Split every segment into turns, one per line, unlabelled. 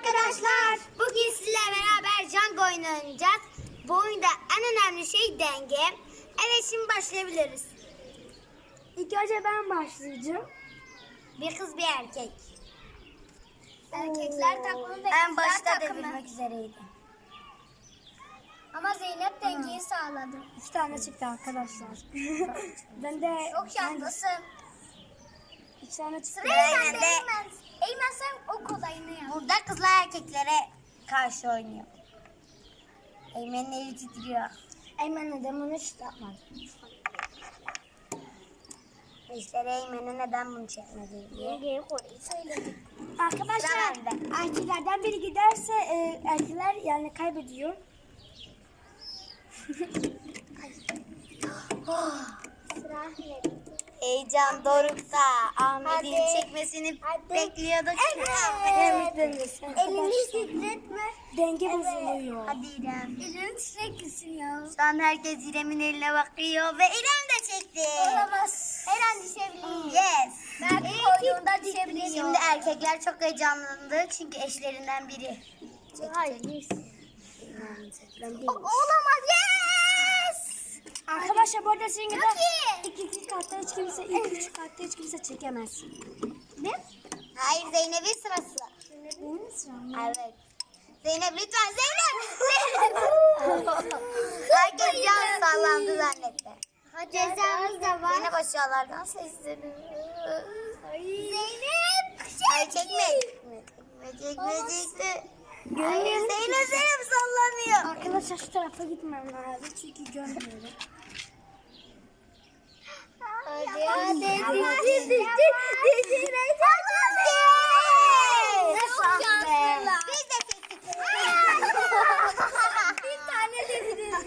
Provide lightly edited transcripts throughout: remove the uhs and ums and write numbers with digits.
arkadaşlar. Bugün sizlerle beraber Jenga oyunu oynayacağız. Bu oyunda en önemli şey denge. Evet, şimdi başlayabiliriz.
İlk önce ben başlayacağım.
Bir kız bir erkek.
Erkekler takımı ve
En
kızlar
başta
takımı.
devirmek üzereydi.
Ama Zeynep dengeyi sağladı.
2 tane çıktı arkadaşlar. Ben de
Çok şanslısın.
2 tane çıktı.
Sıraya
Aynen
sen de
de.
Eymen. Eymen sen o kolayını yap.
Burada kızlar erkeklere karşı oynuyor. Eymen'in eli titriyor.
Eymen neden bunu hiç yapmadı?
İşte Eymen'e neden bunu çekmedi diye.
Dengeyi kolayı söyledik.
Arkadaşlar
Sıra bende.
erkeklerden biri giderse erkekler yani kaybediyor.
Sıra Ahmet.
Heyecan dorukta. Ahmet'in
Hadi.
çekmesini
Hadi.
bekliyorduk.
Evet dengesi.
Elini titretme.
Denge bozuluyor.
Hadi İrem.
Elini titretmesin ya.
Şu an herkes İrem'in eline bakıyor ve İrem de çekti.
Olamaz. Her an düşebilir.
Yes.
Belki koyduğunda düşebilir.
Şimdi erkekler çok heyecanlandı çünkü eşlerinden biri.
Hayır.
Olamaz. Yes.
Arkadaşlar bu arada sizin gibi
Çok iyi.
2. katta hiç kimse, 2. katta hiç kimse çekemez.
Ne?
Hayır, Zeynep'in sırası.
Benim sıram.
Evet. Zeynep lütfen Zeynep. Herkes can sallandı zannetti.
Cezamız da var.
Zeynep aşağılardan sesleniyor.
Zeynep.
Ay çekme. Çekme. Hayır, Zeynep sallanıyor.
Arkadaşlar şu tarafa gitmem lazım çünkü görmüyorum.
Hadi.
Biz de çektik.
Bir tane dediniz.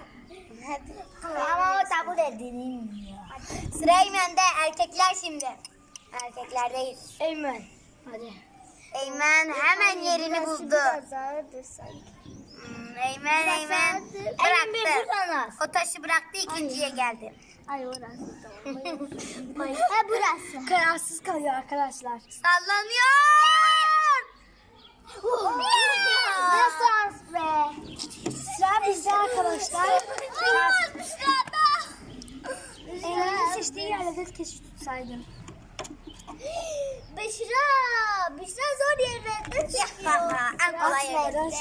Ama o tabu edilmiyor. Sıra Eymen'de, erkekler şimdi. Erkeklerdeyiz.
Eymen. Hadi.
Eymen hemen yerini buldu. Eymen bıraktı. O taşı bıraktı, ikinciye geldi.
Ay orası. Ha burası.
Kararsız kalıyor arkadaşlar.
Sallanıyor.
Ne şans be.
Sıra bizde arkadaşlar.
Sırada.
Eymen'in seçtiği yerlerde keşke tutsaydım.
Büşra zor yerlerden çıkıyor.
En kolay
Aslardan
yeri.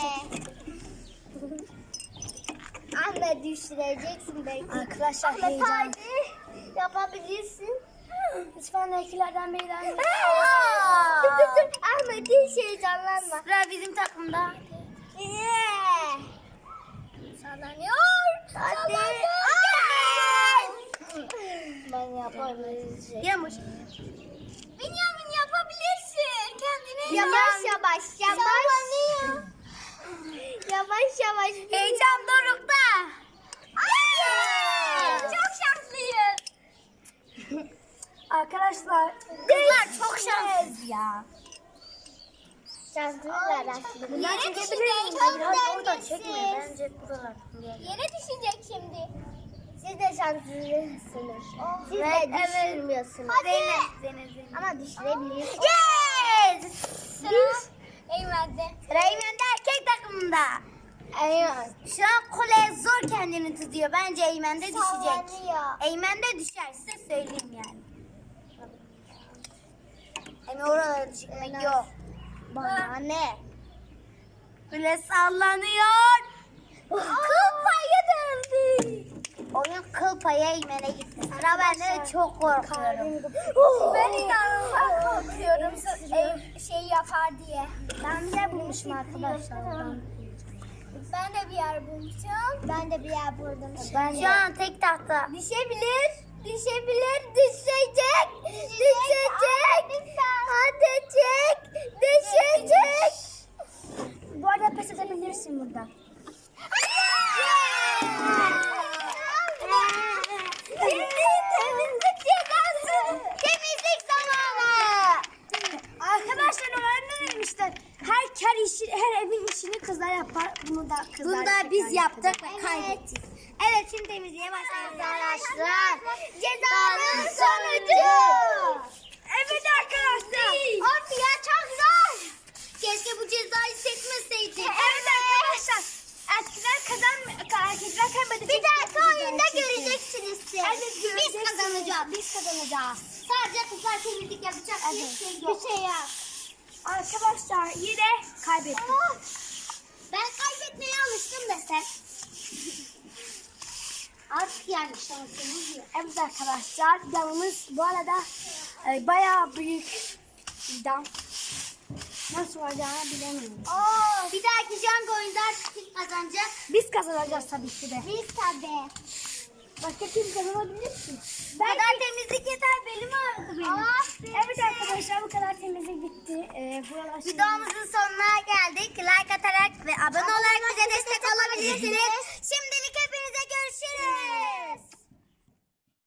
Ahmet düşüreceksin belki.
Arkadaşlar
Ahmet
heyecan.
hadi. Yapabilirsin.
Lütfen erkeklerden birinden
Dur. Ahmet hiç heyecanlanma.
Sıra bizim takımda.
Yeah. Sallanıyor.
Hadi.
ben yapabilirim.
Yamuş.
Benjamin yapabilirsin. Kendine
Yavaş.
Sallanıyor. Yavaş.
Heyecan dorukta.
Çok şanslıyız.
Arkadaşlar
Kızlar çok şanssız ya.
Şanslılar aslında.
Yere
düşecek.
Biraz
Çok
oradan
dengesiz.
çekme. Bence buralar.
Yere düşecek şimdi. Siz de şanslısınız. Siz
Evet,
de düşürmüyorsunuz.
Zeynep.
Ama düşürebilirsiniz.
Yes!
Sıra Eymen'de.
Sıra Eymen'de, erkek takımında.
Eymen.
Şu an kule zor kendini tutuyor. Bence Eymen'de düşecek.
Sallanıyor.
Eymen'de düşer, size söyleyeyim yani. Eymen oralara düşmek yok.
Bana ne?
Kule sallanıyor.
Kıl payı döndü.
Oyun kıl payı Eymen'e gitti. Sıra bende, çok korkuyorum.
Ben inanılmaz korkuyorum. Şey yapar diye.
ben bir yer bulmuşum arkadaşlar.
Ben de bir yer bulmuşum. Ben de bir yer buldum.
Şu an tek tahta.
Düşebilir. Düşecek. Hadi çek. Düşecek.
Bu arada pes edebilirsin burada.
Temizlik cezası.
Temizlik zamanı.
Arkadaşlar normalde demişler. Her evin işini kızlar yapar. Bunu da kızlar
Bunu da
erkekler
biz yaptık
yapıyor.
ve kaybettik. Evet, şimdi temizliğe başlayalım arkadaşlar.
Cezanın sonucu.
Evet arkadaşlar.
Of ya çok zor.
Keşke bu ceza
yapacağız.
Sadece kızlar temizlik yapacak bir şey yok.
Bir şey yok.
Arkadaşlar yine kaybettik.
Ben kaybetmeye alıştım desem. Artık yani şansımız yok.
Evet arkadaşlar damımız bu arada bayağı büyük bir dam. Nasıl olacağını bilemiyorum.
Bir dahaki Django oyunda artık kim kazanacak?
Biz kazanacağız tabii ki de.
Biz tabii.
Başka kim kazanabilir ki?
Bu kadar temizlik yeter, belim ağrıdı benim.
Evet arkadaşlar bu kadar temizlik bitti. Buralar şimdi-
Videomuzun sonuna geldik. Like atarak ve abone olarak bize destek olabilirsiniz.